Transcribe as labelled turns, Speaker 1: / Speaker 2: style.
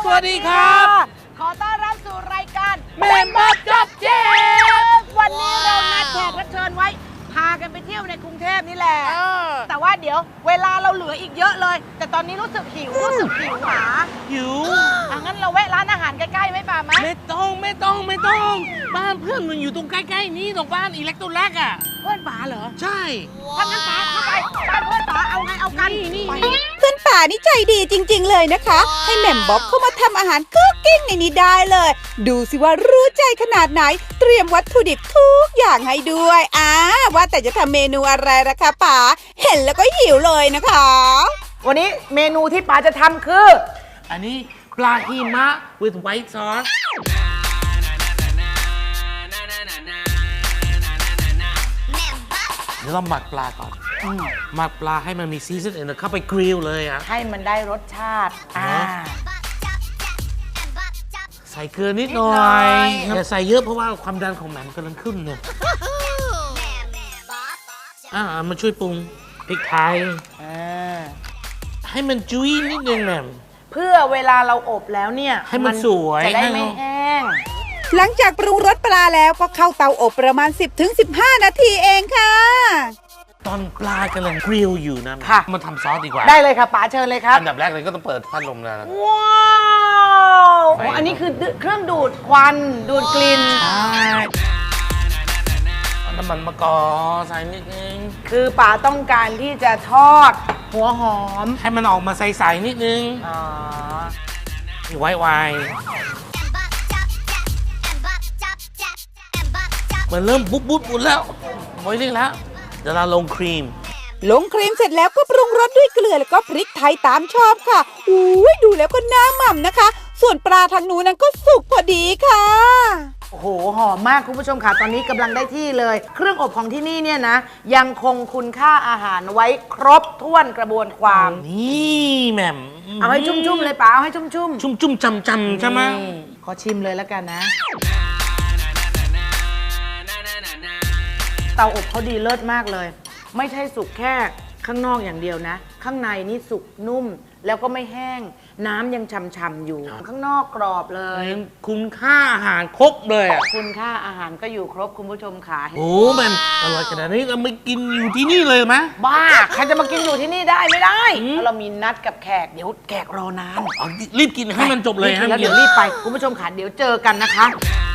Speaker 1: สวัสดีครับ
Speaker 2: ขอต้อนรับสู่รายการ
Speaker 1: แม่มดจบเจม
Speaker 2: วันนี้เรานัดแขกรับเชิญไว้พากันไปเที่ยวในกรุงเทพนี่แหละแต่ว่าเดี๋ยวเวลาเราเหลืออีกเยอะเลย แต่ตอนนี้รู้สึกหิวหมา
Speaker 1: หิว
Speaker 2: งั้นเราแวะร้านอาหารใกล้ๆไหมป่าไหม
Speaker 1: ไม่ต้องบ้านเพื่อนมันอยู่ตรงใกล้ๆนี้ตรงบ้านอิเล็กโทรแลกอ่ะ
Speaker 2: เพื่อนป๋าเหรอ
Speaker 1: ใช่
Speaker 2: ถ้างั้นป๋าเข้าไปบ้านเพื่อนป๋าเอาไงเอากันไป
Speaker 3: เพื่อนป่านี่ใจดีจริงๆเลยนะคะ ให้แหม่มบ๊อบเข้ามาทำอาหารคุกกิ้งในนี้ได้เลย ดูสิว่ารู้ใจขนาดไหน เตรียมวัตถุดิบทุกอย่างให้ด้วยว่าแต่จะทำเมนูอะไรล่ะคะป๋าเห็นแล้วก็หิวเลยนะคะ
Speaker 2: วันนี้เมนูที่ป๋าจะทำคือ
Speaker 1: อันนี้ปลาหิมะ with white sauce เดี๋ยวเราหมักปลาก่อนหมักปลาให้มันมีซีซันแล้วเข้าไปกริลเลยอ่ะ
Speaker 2: ให้มันได้รสชาติ
Speaker 1: ใส่เกลือนิดหน่อ
Speaker 2: นิดหน่อย ย
Speaker 1: อย่าใส่เยอะเพราะว่าความดันของแหม่มกำลังขึ้นเนี่ยมาช่วยปรุงพริกไทยให้มันจุ้ยนิดนึงแหม่ม
Speaker 2: เพื่อเวลาเราอบแล้วเนี่ย
Speaker 1: ให้มันสวย
Speaker 2: จะได้ไม่แห้ง
Speaker 3: หลังจากปรุงรสปลาแล้วก็เข้าเตาอบประมาณ 10-15 นาทีเองค่ะ
Speaker 1: ตอนปลากำลังกริลอยู่นะ
Speaker 2: ค่ะ
Speaker 1: มาทำซอสดีกว่า
Speaker 2: ได้เลยค่ะป๋าเชิญเลยครับ
Speaker 1: อันดับแรกเลยก็ต้องเปิดพัดลมแล้วนะ
Speaker 2: ว้าวโอ้อันนี้คือเครื่องดูดควันดูดกลิ่น
Speaker 1: เอาน้ำมันมะกอกใส่นิดนึง
Speaker 2: คือป๋าต้องการที่จะทอดหัวหอม
Speaker 1: ให้มันออกมาใสๆนิดนึง
Speaker 2: อ๋อ
Speaker 1: ไวมันเริ่มบุ๊บหมดแล้วไว้เรียกแล้วเดี๋ยวเราลงครีม
Speaker 3: ลงครีมเสร็จแล้วก็ปรุงรสด้วยเกลือแล้วก็พริกไทยตามชอบค่ะดูแล้วก็น่าหม่ำนะคะ ส่วนปลาทางนู้นนั้นก็สุกพอดีค่ะ
Speaker 2: โอ้โหหอมมากคุณผู้ชมค่ะตอนนี้กำลังได้ที่เลย เครื่องอบของที่นี่เนี่ยนะ ยังคงคุณค่าอาหารไว้ครบถ้วนกระบวนความ
Speaker 1: นี่แหม่ม
Speaker 2: เอาให้ชุ่มๆเลยป๋าเอาให้ชุ่มๆ
Speaker 1: ชุ่มจำใช่ไหม
Speaker 2: นี่ขอชิมเลยแล้วกันนะ เตาอบเขาดีเลิศมากเลย ไม่ใช่สุกแค่ข้างนอกอย่างเดียวนะ ข้างในนี่สุกนุ่ม แล้วก็ไม่แห้ง น้ำยังฉ่ำๆอยู่ ข้างนอกกรอบเลย
Speaker 1: คุณค่าอาหารครบเลยอ่ะ
Speaker 2: คุณค่าอาหารก็อยู่ครบคุณผู้ชมค่ะ
Speaker 1: โอ้มันอร่อยขนาดนี้เราไม่กินอยู่ที่นี่เลยไหม
Speaker 2: บ้า ใครจะมากินอยู่ที่นี่ได้ไม่ได้เพราะเรามีนัดกับแขก เดี๋ยวแขกรอนาน
Speaker 1: รีบกินให้มันจบเลย
Speaker 2: แล้วเดี๋ยวรีบไป คุณผู้ชมค่ะเดี๋ยวเจอกันนะคะ